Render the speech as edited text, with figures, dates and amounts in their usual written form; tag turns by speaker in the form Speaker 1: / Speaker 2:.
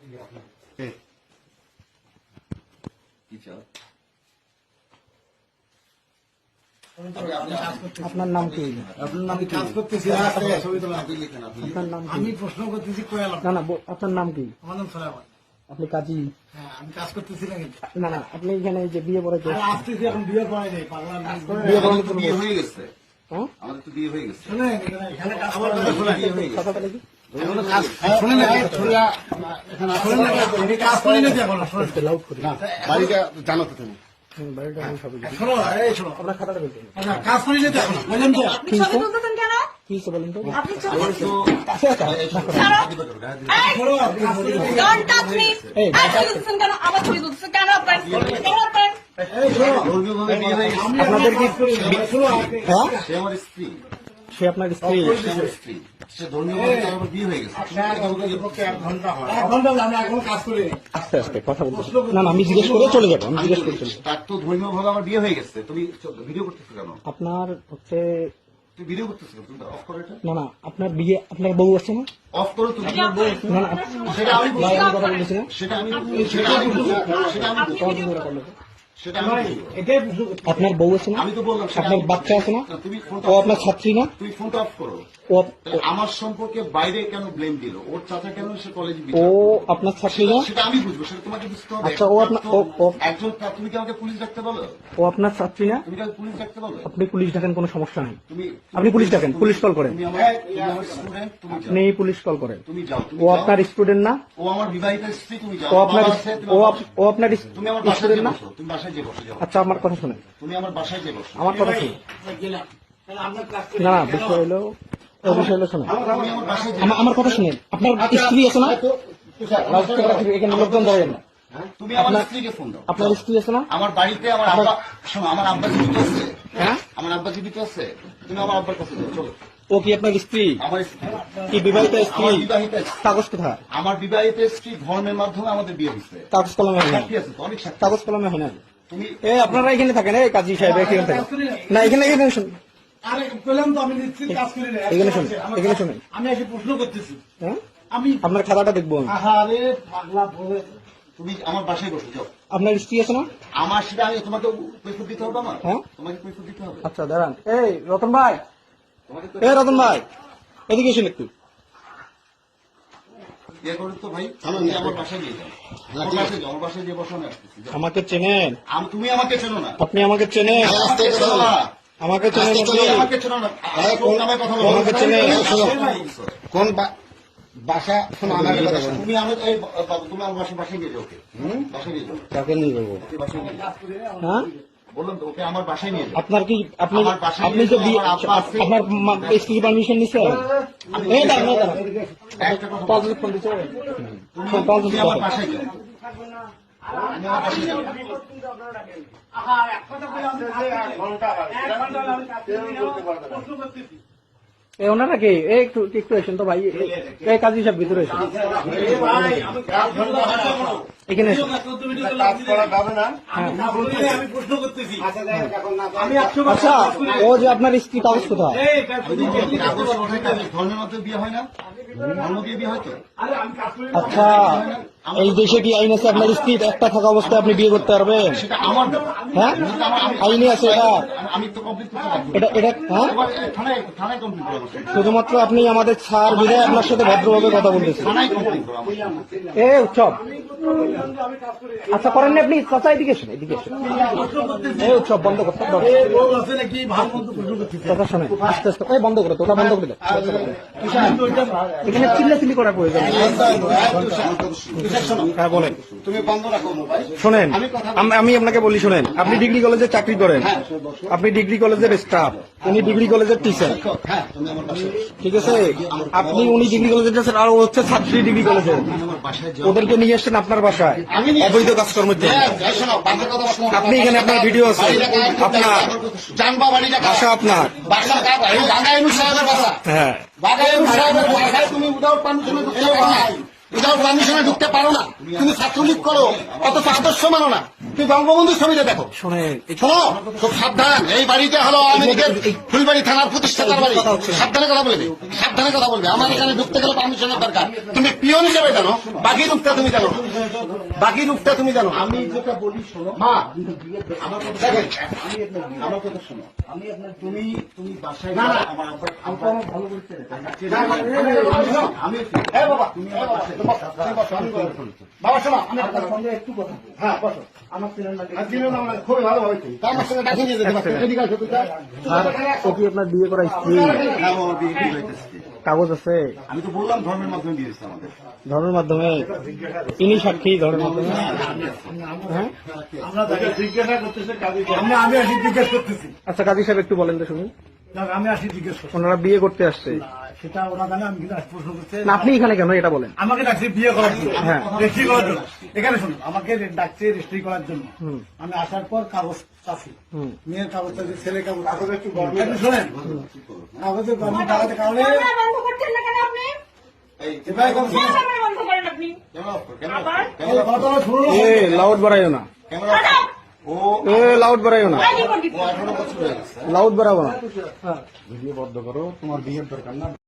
Speaker 1: আপনার নাম কি?
Speaker 2: কাজ করতেছি,
Speaker 1: আপনার নাম কি?
Speaker 2: আমি প্রশ্ন করতেছি কোয়ালাম।
Speaker 1: না না, আপনার নাম কি?
Speaker 2: আমার নাম সোলাইমান।
Speaker 1: আপনি কাজী?
Speaker 2: হ্যাঁ, আমি কাজ করতেছি না কিন্তু।
Speaker 1: না না, আপনি এখানে যে বিয়ে পড়াইতে
Speaker 2: আরে আসতেছি, এখন বিয়ে পড়াই নেই, পাগলা না।
Speaker 1: বিয়ে পড়ানো
Speaker 3: আমাদের তো বিয়ে হয়ে গেছে।
Speaker 1: হ্যাঁ
Speaker 3: আমাদের তো বিয়ে হয়ে গেছে।
Speaker 2: শুনেন, এখানে কাজ করা যায়, শুনেন।
Speaker 3: বিয়ে হয়ে গেছে।
Speaker 1: কথা বলে কি?
Speaker 2: এখনো কাজ, শুনেন না, শুনেন না, আমি কাজ করি না তো এখনো, শুনেন।
Speaker 1: লাউড করি।
Speaker 4: বাড়িটা জানো তো তুমি?
Speaker 1: বাড়িটা আমি সবই জানি।
Speaker 2: শোনো, এই শোনো,
Speaker 1: আপনার খাতাটা বলতে হবে।
Speaker 2: আচ্ছা, কাজ করি না তো এখনো, বুঝলেন তো?
Speaker 1: কি হয়েছে?
Speaker 5: তুলতেছেন কেন?
Speaker 1: কি হয়েছে বলেন তো?
Speaker 5: আপনি চুপ
Speaker 3: আমার তো
Speaker 1: আচ্ছা, আচ্ছা,
Speaker 5: ছাড়ো। এই,
Speaker 2: শোনো, কাজ করি না।
Speaker 5: don't touch me.
Speaker 1: এই,
Speaker 5: এই, ছবি তুলতেছেন কেন? আমার ছবি তুলতেছেন কেন আপনার? কেন আপনার?
Speaker 2: এই শোনো,
Speaker 3: ধর্মীয়ভাবে বিয়ে হয়ে গেছে।
Speaker 2: আমি
Speaker 1: আপনাদের কি
Speaker 2: শোনো,
Speaker 1: হ্যাঁ?
Speaker 3: সে আমার স্ত্রী।
Speaker 1: সে আপনার স্ত্রী?
Speaker 3: সে আমার স্ত্রী। সে ধর্মীয়ভাবে তার আমার বিয়ে হয়ে গেছে।
Speaker 2: এক ঘন্টা আমি এখনো কাজ করি না।
Speaker 1: আস্তে আস্তে কথা বলতে হবে। না না, আমি জিজ্ঞেস করে চলে যাবো। আমি জিজ্ঞেস করে চলে যাবো।
Speaker 3: তার তো ধর্মীয়ভাবে আমার বিয়ে হয়ে গেছে। তুমি ভিডিও করতেছো কেন?
Speaker 1: আপনার হচ্ছে
Speaker 3: তুমি ভিডিও করতেছো কেন? তুমি অফ করো এটা।
Speaker 1: না না, আপনার বিয়ে, আপনার বউ আছে না?
Speaker 3: অফ করো তুমি।
Speaker 1: না না,
Speaker 3: সেটা আমি বলছি।
Speaker 1: ভাই, আমি কথা বলতেছি না।
Speaker 3: সেটা আমি সেটা আমি বলছি। সেটা আমি বলছি।
Speaker 1: তোমার বিয়ে করলো।
Speaker 3: সেটা আমি বলছি।
Speaker 2: এটাই প্রশ্ন করছি।
Speaker 1: আপনার বউ আছে না?
Speaker 3: আমি তো বললাম সেটা
Speaker 1: আপনার
Speaker 3: আমি
Speaker 1: বাচ্চা আছে না?
Speaker 3: তুমি ফোনটা
Speaker 1: ও আপনার ছাত্রী না?
Speaker 3: তুমি ফোনটা অফ করো।
Speaker 1: ও
Speaker 3: তাহলে আমার সম্পর্কে বাইরে কেন ব্লেম দিল? ওর চাচা কেন সে কলেজে
Speaker 1: ও আপনার ছাত্রী না?
Speaker 3: সেটা আমি বুঝবো, সেটা তোমাকে বুঝতে হবে।
Speaker 1: আচ্ছা, ও আপনার
Speaker 3: একজন তুমি কি আমাকে পুলিশ ডাকতে বলো?
Speaker 1: ও আপনার ছাত্রী না?
Speaker 3: তুমি কি আমাকে পুলিশ ডাকতে বলো?
Speaker 1: আপনি পুলিশ ডাকেন, কোনো সমস্যা নেই।
Speaker 3: তুমি
Speaker 1: আপনি পুলিশ ডাকেন, পুলিশ কল করেন।
Speaker 3: তুমি আমার স্টুডেন্ট, তুমি যাও।
Speaker 1: আপনি পুলিশ কল করেন।
Speaker 3: তুমি যাও। তুমি
Speaker 1: ও
Speaker 3: যাও।
Speaker 1: আপনার স্টুডেন্ট না?
Speaker 3: ও আমার বিবাহিত স্ত্রী, তুমি যাও।
Speaker 1: ও আপনার
Speaker 3: বাবা আছে, তুমি
Speaker 1: ও
Speaker 3: আমার-
Speaker 1: আপ- ও আপনার
Speaker 3: তুমি আমার বাসায়
Speaker 1: স্টুডেন্ট
Speaker 3: যে
Speaker 1: না?
Speaker 3: বসো। তুমি বাসায় যে বসে যাও।
Speaker 1: আচ্ছা, আমার কথা শুনেন।
Speaker 3: তুমি আমার বাসায় যে বসো।
Speaker 1: আমার কথা শুনুন।
Speaker 2: গেলাম। তাহলে আমরা কাজ করি
Speaker 1: না
Speaker 2: না।
Speaker 1: না, বিষয় হলো, ও বিষয় হলো শোনেন।
Speaker 3: তুমি আমার বাসায় যে
Speaker 1: আমার কথা শুনেন। আপনার স্ত্রী আছে না? লাউডস্পিকার আছে, এখানে লোকজন দাঁড়াবেন না।
Speaker 3: তুমি আমার স্ত্রীকে ফোন দাও।
Speaker 1: আপনার স্ত্রী আছে না?
Speaker 3: আমার বাড়িতে আমার আব্বা, শোনো, আমার আব্বা জীবিত আছে।
Speaker 1: হ্যাঁ?
Speaker 3: আমার আব্বা জীবিত আছে। তুমি আমার আব্বার কাছে যাও, চলো।
Speaker 1: ও কি আপনার স্ত্রী?
Speaker 3: আমার স্ত্রী।
Speaker 1: কি বিবাহিত স্ত্রী?
Speaker 3: আমার বিবাহিত স্ত্রী।
Speaker 1: কাগজ কোথায়?
Speaker 3: আমার বিবাহিত স্ত্রী ধর্মের মাধ্যমে আমাদের বিয়ে হচ্ছে।
Speaker 1: কাগজ কলমে হয় না।
Speaker 3: সাক্ষী আছে তো, অনেক সাক্ষী।
Speaker 1: কাগজ কলমে হয় না।
Speaker 3: তুমি
Speaker 1: আপনারা এখানে থাকেন, এই কাজী সাহেব এখানে থাকেন। না, এখানে এখানে শুনুন।
Speaker 2: আরে বললাম তো, আমি নিশ্চিত কাজ করি না।
Speaker 1: এখানে শুনুন, এখানে শুনুন।
Speaker 2: আমি এসে প্রশ্ন করতেছি।
Speaker 1: হ্যাঁ?
Speaker 2: আমি
Speaker 1: আপনার খাতাটা দেখবো আমি।
Speaker 2: আহারে পাগলা বলে
Speaker 3: তুমি আমার বাসায় বসে যাও।
Speaker 1: আপনার স্ত্রী আছে না?
Speaker 3: আমার সেটা আমি তোমাকে কৈফিয়ত দিতে হবে আমার?
Speaker 1: হ্যাঁ?
Speaker 3: তোমাকে কৈফিয়ত দিতে হবে?
Speaker 1: আচ্ছা, দাঁড়ান। এই রতন ভাই,
Speaker 3: তোমাকে তো
Speaker 1: এই রতন ভাই, এদিকে এসেন একটু।
Speaker 3: ইয়ে করো তো ভাই, তুমি আমার বাসায় নিয়ে যাও। আমার বাসায় যাও, আমার বাসায় যে বসো, আমি আসতেছি, যাও।
Speaker 1: আমাকে চেনেন?
Speaker 3: তুমি আমাকে চেনো না।
Speaker 1: আপনি আমাকে চেনেন?
Speaker 3: আমাকে চেনো না।
Speaker 1: আমাকে চেনেন আপনি?
Speaker 3: তুমি আমাকে চেনো না। কোন নামে কথা বলো?
Speaker 1: আমাকে চেনে?
Speaker 4: কোন বাসা? শোনো, আমার কথা শোনো।
Speaker 3: তুমি আমার এই বাবু, তুমি আমার বাসায় নিয়ে যাও ওকে। বাসায় নিয়ে যাও।
Speaker 1: কাকে নিয়ে যাবো?
Speaker 3: ওকে বাসায় নিয়ে যাও।
Speaker 1: হ্যাঁ?
Speaker 3: বললাম তো, ওকে আমার বাসায় নিয়ে যাও।
Speaker 1: আপনার কি আপনি
Speaker 3: আমার বাসায়
Speaker 1: আপনি যে
Speaker 3: নিয়ে যাও, আমার আব্বা আছে।
Speaker 1: আপনার স্ত্রী পারমিশন নিচ্ছেন? এই দাঁড়ান, এই দাঁড়ান।
Speaker 3: একটা কথা বলো।
Speaker 1: পাঁচ ফোন দিচ্ছে।
Speaker 3: তুমি আমার বাসায় যাও। আমি আমার বাসায় যাও।
Speaker 2: এক কথা বলে আমি এক ঘন্টা আমি কাজ করি না। প্রশ্ন করতেছি।
Speaker 1: এই ওনারা কি? এই একটু একটু এসেন তো ভাই। এই কাজী সাহেব ভিতরে এসেন।
Speaker 2: এ ভাই, আমি কাজ করি না।
Speaker 1: এখানে এসেন।
Speaker 4: কাজ করা যাবে না।
Speaker 2: আমি কাজ করি না, আমি প্রশ্ন করতেছি। আমি 100
Speaker 1: আচ্ছা, ও যে আপনার স্ত্রী, কাগজ কোথায়?
Speaker 2: এই কাজ করি না।
Speaker 3: কাগজ ওঠে, কাগজ ধর্মের মধ্যে বিয়ে হয় না? ধর্ম দিয়ে বিয়ে হয় তো?
Speaker 2: আরে আমি কাজ করি না।
Speaker 1: আচ্ছা, এই দেশে কি আইন আছে আপনার স্ত্রী একটা থাকা অবস্থায় আপনি বিয়ে করতে পারবেন?
Speaker 3: সেটা আমার ব্যাপার।
Speaker 1: হ্যাঁ? আইনে আছে এটা?
Speaker 3: আমি তো কমপ্লিট করতে পারবো।
Speaker 1: এটা হ্যাঁ?
Speaker 3: থানায় কমপ্লিট করবো।
Speaker 1: শুধুমাত্র আপনি আমাদের ছাড় বিধায় আপনার সাথে ভদ্রভাবে কথা বলতেছেন।
Speaker 3: থানায় কমপ্লিট করবো।
Speaker 1: এ উৎসব, আচ্ছা করেন না আপনি? চাচা এদিকে এসেন, এদিকে এসেন। এই উৎসব বন্ধ করতে হবে।
Speaker 2: এ বউ আছে নাকি ভালো মন্দ প্রশ্ন করতেছি।
Speaker 1: কথা শোনেন, আস্তে আস্তে। এই বন্ধ করে তো, ওটা বন্ধ করে দাও। এখানে চিল্লাচিল্লি করার প্রয়োজন নেই। হ্যাঁ বলেন।
Speaker 4: তুমি বন্ধ রাখো মোবাইল।
Speaker 1: শোনেন, আমি আপনাকে বলি, শোনেন, আপনি ডিগ্রি কলেজে চাকরি করেন, আপনি ডিগ্রি কলেজের স্টাফ, উনি ডিগ্রি কলেজের টিচার,
Speaker 3: হ্যাঁ, তুমি আমার বাসায়
Speaker 1: ঠিক আছে? আপনি উনি ডিগ্রি কলেজের টিচার, আর ও হচ্ছে ছাত্রী ডিগ্রি কলেজের।
Speaker 3: আমার বাসায় যাও।
Speaker 1: ওদেরকে নিয়ে আসছেন আপনার বাসায় অবৈধ কাজকর্মের জন্য।
Speaker 4: শোনো, বাসা কথা বলো।
Speaker 1: আপনি এখানে আপনার ভিডিও আছে, আপনার
Speaker 4: জানবা বাড়িটা
Speaker 1: বাসা আপনার।
Speaker 4: বাসা কার? এই বাগাইনু সাহেবের বাসা।
Speaker 1: হ্যাঁ,
Speaker 4: বাগাইনু সাহেবের বাসায় তুমি উদাউট পারমিশনে ঢুকতে পারো না। উইদাউট পারমিশনে ঢুকতে পারো না, তুমি ছাত্রলীগ করো, অথচ আদর্শ মানো না। তুমি বঙ্গবন্ধুর ছবিটা দেখো,
Speaker 1: শোনেন
Speaker 4: শোনো খুব সাবধান। এই বাড়িটা হলো আওয়ামী লীগের ফুলবাড়ি থানার প্রতিষ্ঠাতার বাড়ি। সাবধানে কথা বলবে, সাবধানে কথা বলবে। আমার এখানে ঢুকতে গেলে পারমিশনের দরকার। তুমি পিয়ন হিসেবে জানো, বাকি রূপটা তুমি জানো, বাকি রূপটা তুমি জানো।
Speaker 3: আমি যেটা বলি শোনো,
Speaker 4: মা
Speaker 3: আমার কথা
Speaker 4: দেখেন,
Speaker 3: আমার কথা শোনো। আমি আপনার তুমি তুমি বাসায়
Speaker 4: না, না,
Speaker 3: যাও, আমার আব্বা আমার ভালো করে চেনে। আমি
Speaker 4: হ্যাঁ বাবা,
Speaker 3: তুমি
Speaker 4: হ্যাঁ
Speaker 3: আমার
Speaker 4: বাবা,
Speaker 3: বাসায়
Speaker 4: তুমি বসো, তুমি বসো, আমি বলবো। বাবা শোনো, আমি
Speaker 3: আপনার সঙ্গে একটু কথা বলবো।
Speaker 4: হ্যাঁ বসো।
Speaker 3: আমার চেনেন না
Speaker 4: আর দিনের নাম না, খুবই ভালো হয়েছে। তা আমার সঙ্গে ডাকিয়ে নিয়ে যেতে পারছো। এদিকে আসো তুমি।
Speaker 1: আর ও কি আপনার বিয়ে করা স্ত্রী?
Speaker 3: হ্যাঁ, আমার বিয়ে ঠিক হইতেছে।
Speaker 1: কাগজ আছে
Speaker 3: আমি তো বললাম ধর্মের মাধ্যমে বিয়ে হয়েছে আমাদের।
Speaker 1: ধর্মের মাধ্যমে? ইনি সাক্ষী ধর্মের মাধ্যমে? হ্যাঁ
Speaker 2: আমরা তাকে জিজ্ঞাসা করতেছি কাজী আমি আসি জিজ্ঞেস করতেছি
Speaker 1: আচ্ছা কাজী সাহেব একটু বলেন তো শুনি।
Speaker 2: আমি আসি জিজ্ঞেস করছি
Speaker 1: ওনারা বিয়ে করতে আসছে,
Speaker 2: সেটা ওরা জানে আমি কিন্তু আজ প্রশ্ন করতে
Speaker 1: না আপনি এখানে কেন এটা বলেন?
Speaker 2: আমাকে ডাকছে বিয়ে করার জন্য,
Speaker 1: হ্যাঁ।
Speaker 2: রেজিস্ট্রি করার জন্য। এখানে শুনুন, আমাকে ডাকছে রেজিস্ট্রি করার জন্য।
Speaker 1: হুম।
Speaker 2: আমি আসার পর কাগজ চাচ্ছি,
Speaker 1: হুম।
Speaker 2: মেয়ের কাগজ চাচ্ছি, ছেলে কাগজ একটু শোনেন, কাগজের গভর্নমেন্ট টাকাতে কারণে
Speaker 5: ক্যামেরা বন্ধ করছেন না কেন আপনি?
Speaker 2: এবার কথা শুনুন।
Speaker 5: ক্যামেরা বন্ধ করেন আপনি। আবার?
Speaker 2: এই কথাটা শুনুন।
Speaker 1: এ লাউড বাড়াইও না,
Speaker 3: ও
Speaker 1: এ লাউড বাড়াইও না,
Speaker 5: আইডি কোড দিতে।
Speaker 3: 18 বছর হয়ে গেছে।
Speaker 1: লাউড বাড়াবো না।
Speaker 3: ভিডিও বন্ধ করো, তোমার বিয়ের দরকার না।